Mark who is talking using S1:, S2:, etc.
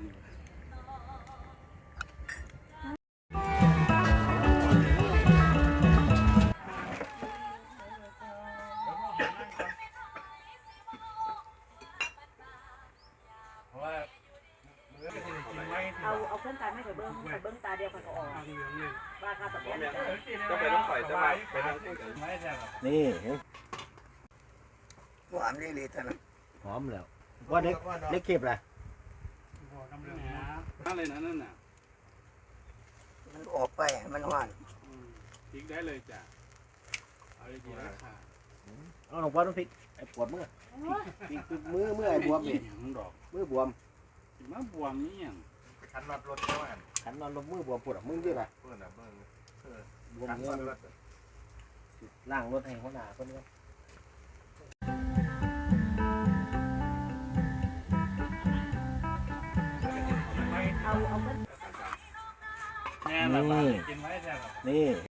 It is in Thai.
S1: เอาเครื่องตาไม่เคยเบิ้งตาเดียวกันก็ออกว่าค่าตอบแทน
S2: ก็ไปต้องปล่อยจะไปทางที่
S3: นี่
S4: หวานนี่เลยท่าน
S3: หอมแล้วว่าเล็กเก็บแหละ
S2: อะไรนั่นน่ะ
S4: มันออกไปมันหวาน
S2: พริกได้เลยจ้ะเอาดีๆนะค่ะ
S3: เอาหลวงพ่อต้องพริกไอ้ปวดมือมือไอ้บวมนี่มือบวม
S2: มาบวมนี่ยัง
S5: ขันน็อตรถใช่ไหม
S3: ขันนอนลงมือบวมปวดมือด้วยป่ะ
S5: เพื่อนเพื่อน
S3: บวมเงี้ยล่างรถให้หัวหน้าคนนี้
S1: เอา
S2: แน่ละกินไว้แน่ละ
S3: นี่